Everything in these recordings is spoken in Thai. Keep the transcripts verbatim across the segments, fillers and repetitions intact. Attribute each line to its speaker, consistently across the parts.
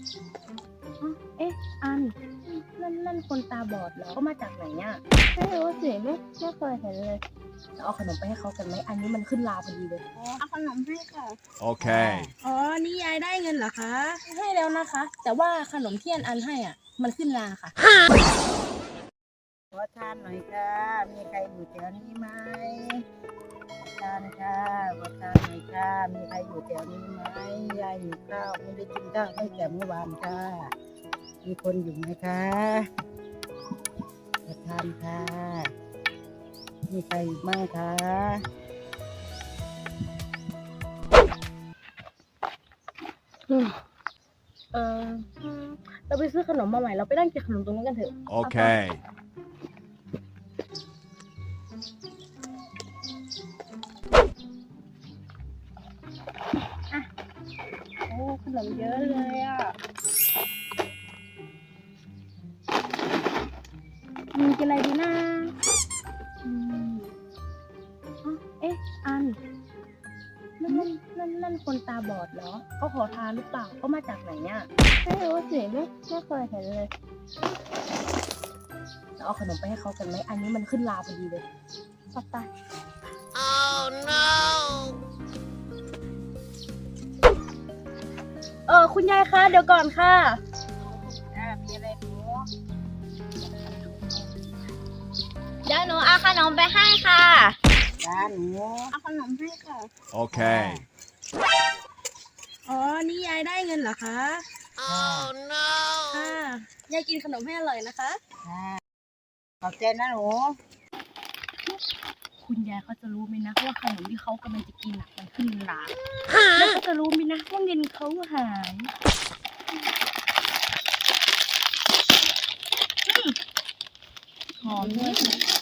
Speaker 1: เอ๊ะอันนั่นนั่นคนตาบอดเหรอเขามาจากไหนอ่ะไม่รู้สิไม่ไม่เคยเห็นเลยเราเอาขนมไปให้เขากันไหมอันนี้มันขึ้นราพอดีเลยเอาขนมให้ค่ะ
Speaker 2: Okay.
Speaker 1: อ๋อนี่ยายได้เงินเหรอคะให้แล้วนะคะ แต่ว่าขนมที่อันอันให้อ่ะมันขึ้นราค่ะ
Speaker 3: ขอทานหน่อยค่ะมีใครอยู่แถวนี้ไหมขอทานค่ะขอทานหน่อยค่ะมีใครอยู่แถวนี้ไหมยายหิวข้าวไม่ได้กินข้าวตั้งแต่เมื่อวานค่ะมีคนอยู่ไหมคะขอทานค่ะมีใครอยู่บ้างคะ
Speaker 1: เออเราไปซื้อขนมมาใหม่เราไปนั่งกินขนมตรงนั้นกันเถอะ
Speaker 2: Okay.
Speaker 1: โอ้ขนมเยอะเลยอ่ะมีกินอะไรดีนะอืมอ๋อเอ๊ะอันนั่นนั่นนั่นนั่นคนตาบอดเหรอเขาขอทานหรือเปล่าเขามาจากไหนอ่ะไม่รู้สิไม่ไม่เคยเห็นเลยเราเอาขนมไปให้เขากันไหมอันนี้มันขึ้นราพอดีเลยปัตตา
Speaker 2: Oh no.
Speaker 1: เออคุณยายคะเดี๋ยวก่อนค่ะ
Speaker 3: อ่ามีอะไรหนู
Speaker 1: เดี๋ยวหนูเอาขนมไปให้ค่ะ
Speaker 3: จ้าหนู
Speaker 1: เอาขนมให้ค่ะ
Speaker 2: Okay.
Speaker 1: อ๋อนี่ยายได้เงินเหรอคะ
Speaker 2: Oh no.
Speaker 1: ค่ะยายกินขนมให้อร่อยนะคะ
Speaker 3: ค่ะขอบใจนะหนู
Speaker 1: คุณยายเขาจะรู้ไหมนะว่าขนมที่เขากำลังจะกินอ่ะมันขึ้นราแล้วเขาจะรู้ไหมนะว่าเงินเขาหายหอมด้วย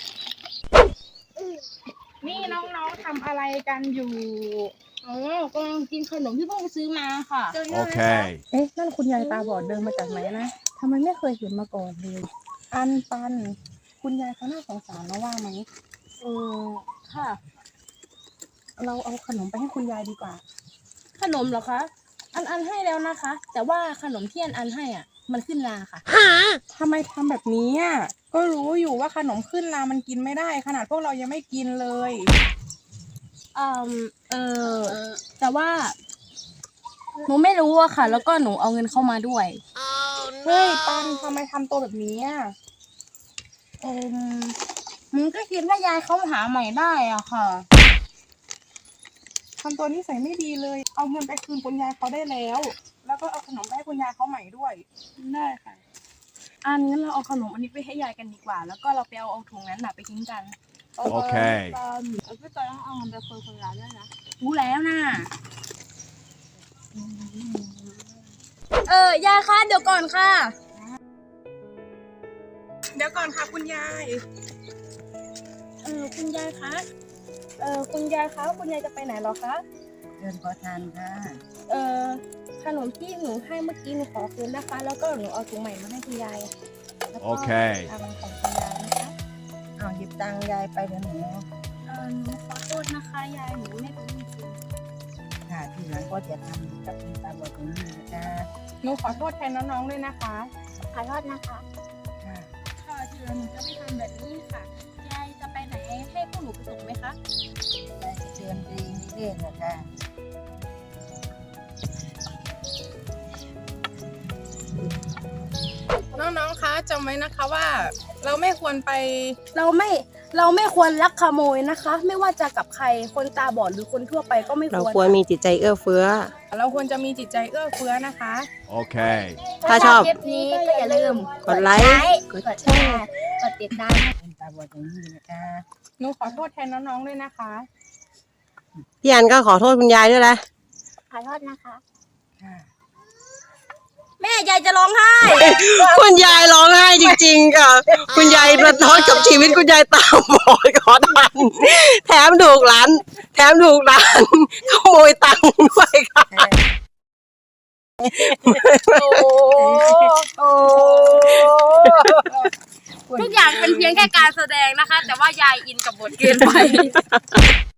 Speaker 1: นี่น้องๆทำอะไรกันอยู่อ๋อกำลังกินขนมที่เพิ่งซื้อมาค่ะ
Speaker 2: Okay.
Speaker 1: เอ๊ะนั่นคุณยายตาบอดเดินมาจากไหนนะทำไมไม่เคยเห็นมาก่อนเลยอันปันคุณยายเขาน่าสงสารนะว่าไหมเออค่ะ เราเอาขนมไปให้คุณยายดีกว่า ขนมเหรอคะ อันอันให้แล้วนะคะ แต่ว่าขนมที่อันอันให้อ่ะ มันขึ้นราค่ะ
Speaker 4: ทำไมทำแบบนี้อ่ะ ก็รู้อยู่ว่าขนมขึ้นรามันกินไม่ได้ ขนาดพวกเรายังไม่กินเลย
Speaker 1: เออเออแต่ว่า หนูไม่รู้อะค่ะ แล้วก็หนูเอาเงินเข้ามาด้วย
Speaker 2: Oh
Speaker 4: เฮ้ย
Speaker 2: no.
Speaker 4: ปันทำไมทำตัวแบบนี้อ่ะ
Speaker 1: เออมึงก็คิดว่ายายเขาหาใหม่ได้อ่ะค่ะ
Speaker 4: ทำตัวนิสัยไม่ดีเลย เอาเงินไปคืนคุณยายเขาได้แล้ว แล้วก็เอาขนมไปให้คุณยายเขาใหม่ด้วย
Speaker 1: ได้ค่ะ อันงั้นเราเอาขนมอันนี้ไปให้ยายกันดีกว่า แล้วก็เราไปเอาเอาถุงนั้นน่ะไปทิ้งกัน
Speaker 2: โอเค
Speaker 1: เออพี่จอยต้องเอาเงินไปคืนคนร้านด้วยนะรู้แล้วนะเออยายคะเดี๋ยวก่อนค่ะ
Speaker 4: เดี๋ยวก่อนค่ะคุณยาย
Speaker 1: เออคุณยายคะ เออคุณยายคะคุณยายจะไปไหนเหรอคะ
Speaker 3: เดินขอทานค่ะ
Speaker 1: เออขนมที่หนูให้เมื่อกี้หนูขอคืนนะคะ แล้วก็หนูเอาถุงใหม่มาให้คุณยายแล้วก็
Speaker 2: โอเค
Speaker 1: ตังค์ของคุณยายนะคะ
Speaker 3: เอาหยิบตังค์ยายไปเดี๋ยวหนู
Speaker 1: เออหนูขอโทษนะคะยายหนูไม่รู้จริง
Speaker 3: ค่ะทีหลังก็จะทำกับคุณตาบอดตรงนี้นะคะ
Speaker 4: หนูขอโทษแทนน้องๆด้วยนะคะ
Speaker 1: ๆขอโทษนะคะ
Speaker 3: ค่ะ
Speaker 1: ค่ะทีหลังหนูจะไม่ทำแบบนี้ค่ะยายจะไปไหนให้พวกหนูไปส่งไหมคะ
Speaker 3: ยายจะเตือนตัวเองเรื่อยๆนะคะ
Speaker 4: น้องๆ คะจำไว้นะคะว่า เราไม่ควรไป
Speaker 1: เราไม่เราไม่ควรลักขโมยนะคะ ไม่ว่าจะกับใครคนตาบอดหรือคนทั่วไปก็ไม่
Speaker 5: เรา
Speaker 1: ควร
Speaker 5: ควรมีจิตใจเอื้อเฟื้อ
Speaker 4: เราควรจะมีจิตใจเอื้อเฟื้อนะคะ
Speaker 2: Okay.
Speaker 5: ถ้าชอบ
Speaker 1: คลิปนี้ก็อย่าลืม
Speaker 5: กดไลค์
Speaker 1: กดแชร์กดติดตาม
Speaker 3: คุณตาบอดตรงนี้นะคะ
Speaker 4: หนูขอโทษแทนน้องๆ ด้วยนะคะ
Speaker 5: พี่อันก็ขอโทษคุณยายด้วยนะ
Speaker 1: ขอโทษนะคะ
Speaker 3: ค่ะ
Speaker 1: แม่ยายจะร้องไห้
Speaker 5: คุณยายร้องไห้จริงๆค่ะ คุณยายประท้อนกับชีวิตคุณยายตาบอดขอทานแถมถูกหลาน แถมถูกหลานขโมยตังค์ด้วยค่ะ
Speaker 1: โอ้โอ้ทุกอย่างเป็นเพียงแค่การแสดงนะคะ แต่ว่ายายอินกับบทเกินไป